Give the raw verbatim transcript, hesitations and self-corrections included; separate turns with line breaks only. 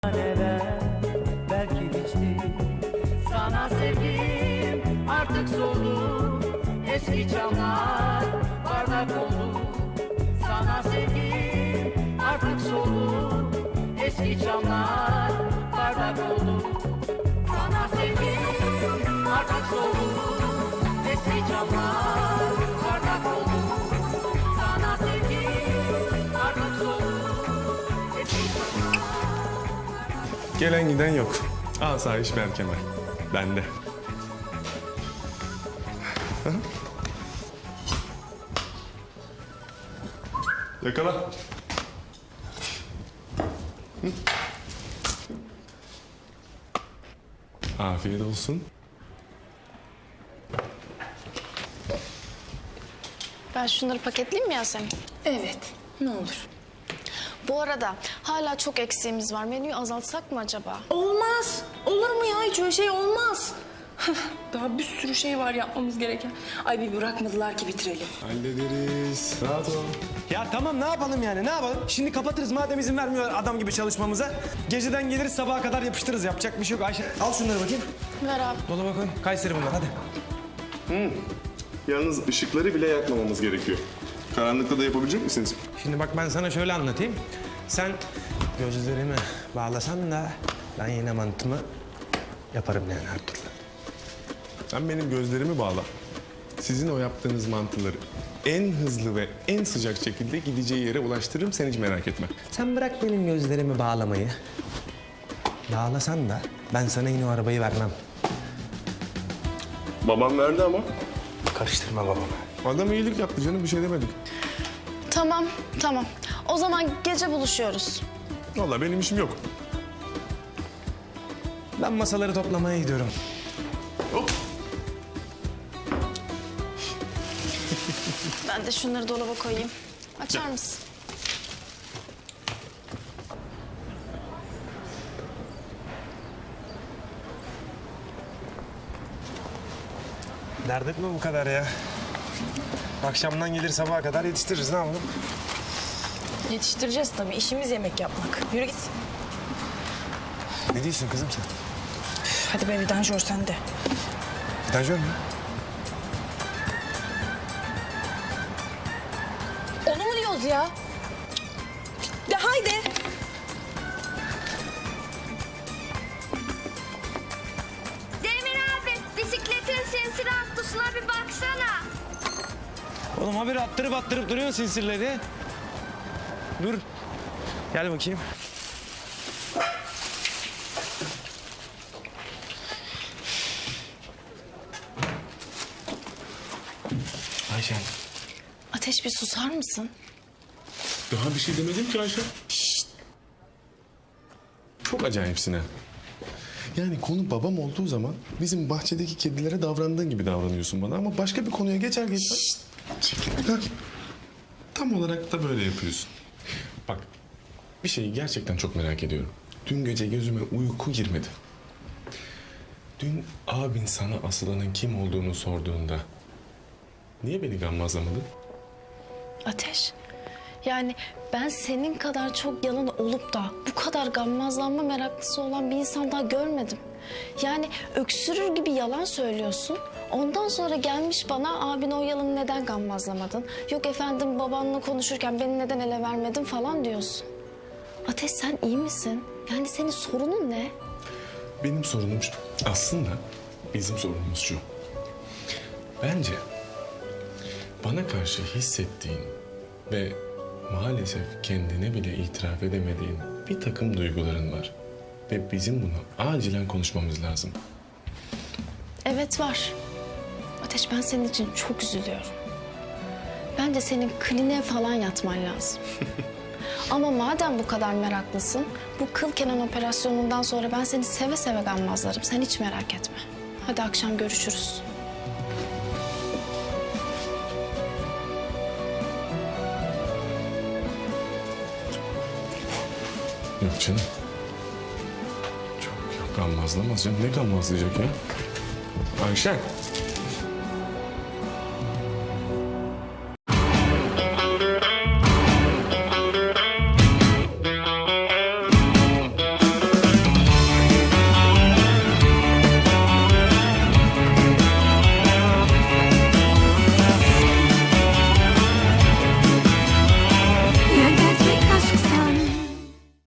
Neler belki biçti. Sana sevgim artık soldu. Eski çamlar bardak oldu. Sana sevgim artık soldu. Eski çamlar bardak oldu. Sana sevgim artık soldu. Eski çamlar bardak oldu. Sana sevgim artık soldu. Eski çamlar.
Gelen giden yok. Asayiş Berkemal. Bende. Hı? Yakala. Hı? Afiyet olsun.
Ben şunları paketleyeyim mi Yasemin?
Evet, ne olur.
Bu arada hala çok eksiğimiz var. Menüyü azaltsak mı acaba?
Olmaz. Olur mu ya? Hiç öyle şey olmaz. Daha bir sürü şey var yapmamız gereken. Ay bir bırakmadılar ki bitirelim.
Hallederiz. Rahat ol.
Ya tamam ne yapalım yani ne yapalım? Şimdi kapatırız madem izin vermiyor adam gibi çalışmamıza. Geceden geliriz sabaha kadar yapıştırırız. Yapacak bir şey yok. Ayşe al şunları bakayım.
Ver abi.
Dolaba koy. Kayseri bunlar hadi.
Yalnız ışıkları bile yakmamamız gerekiyor. Karanlıkta da yapabilecek misiniz?
Şimdi bak ben sana şöyle anlatayım. Sen gözlerimi bağlasan da ben yine mantımı yaparım yani her türlü.
Sen benim gözlerimi bağla. Sizin o yaptığınız mantıları en hızlı ve en sıcak şekilde gideceği yere ulaştırırım. Sen hiç merak etme.
Sen bırak benim gözlerimi bağlamayı. Bağlasan da ben sana yine o arabayı vermem.
Babam verdi ama.
Karıştırma babamı.
Adam iyilik yaptı canım, bir şey demedik.
Tamam, tamam. O zaman gece buluşuyoruz.
Vallahi benim işim yok.
Ben masaları toplamaya gidiyorum.
Hop.
Ben de şunları dolaba koyayım. Açar mısın?
Dert etme bu kadar ya. Akşamdan gelir sabaha kadar yetiştiririz ne yapalım?
Yetiştireceğiz tabii. İşimiz yemek yapmak. Yürü git.
Ne diyorsun kızım sen?
Hadi be vidanjör sen de.
Vidanjör mü?
Onu mu diyoruz ya? De haydi.
Demir abi, bisikletin sinsir atlasına bir baksana.
Oğlum haberi attırıp attırıp duruyorsun sinsirleri. Dur. Gel bakayım. Ayşen.
Ateş bir susar mısın?
Daha bir şey demedim ki Ayşe. Şşt. Çok acayipsin ha. Yani konu babam olduğu zaman bizim bahçedeki kedilere davrandığın gibi davranıyorsun bana. Ama başka bir konuya geçer geçer. Heh. Tam olarak da böyle yapıyorsun. Bak, bir şeyi gerçekten çok merak ediyorum. Dün gece gözüme uyku girmedi. Dün abin sana Aslı'nın kim olduğunu sorduğunda niye beni gammazlamadın?
Ateş. Yani ben senin kadar çok yalan olup da bu kadar gammazlanma meraklısı olan bir insan daha görmedim. Yani öksürür gibi yalan söylüyorsun. Ondan sonra gelmiş bana abin o yalanı neden gammazlamadın? Yok efendim babanla konuşurken beni neden ele vermedin falan diyorsun. Ateş sen iyi misin? Yani senin sorunun ne?
Benim sorunum şu. Aslında bizim sorunumuz şu. Bence bana karşı hissettiğin ve maalesef kendine bile itiraf edemediğin bir takım duyguların var. Ve bizim bunu acilen konuşmamız lazım.
Evet var. Ateş ben senin için çok üzülüyorum. Bence senin kliniğe falan yatman lazım. Ama madem bu kadar meraklısın, bu kıl kenan operasyonundan sonra ben seni seve seve gammazlarım. Sen hiç merak etme. Hadi akşam görüşürüz.
Yok canım. Çok yok gammazlamaz canım. Ne gammazlayacak ya? Ayşen.